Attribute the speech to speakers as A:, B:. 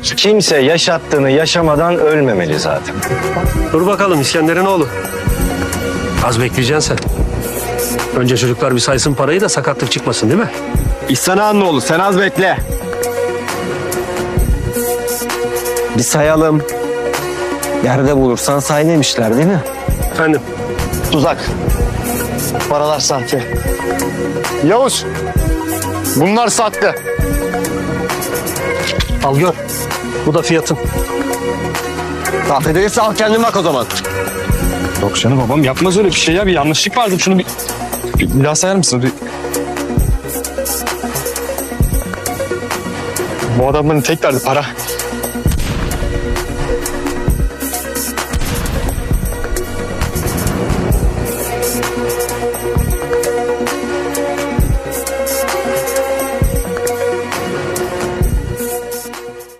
A: Kimse yaşattığını yaşamadan ölmemeli zaten.
B: Dur bakalım İskender'in oğlu. Az bekleyeceksin sen. Önce çocuklar bir saysın parayı da sakatlık çıkmasın değil mi?
C: İhsan Ağa'nın oğlu, sen az bekle.
A: Bir sayalım. Yerde bulursan say demişler değil mi?
B: Efendim?
C: Tuzak. Paralar sahte. Yavuz. Bunlar sahte.
B: Al gör. Bu da fiyatın.
C: Sahte değilse al kendin bak o zaman.
D: Yok canım babam yapmaz öyle bir şey ya. Bir yanlışlık vardı. Şunu bir daha sayar mısın? Bu adamların tek derdi para.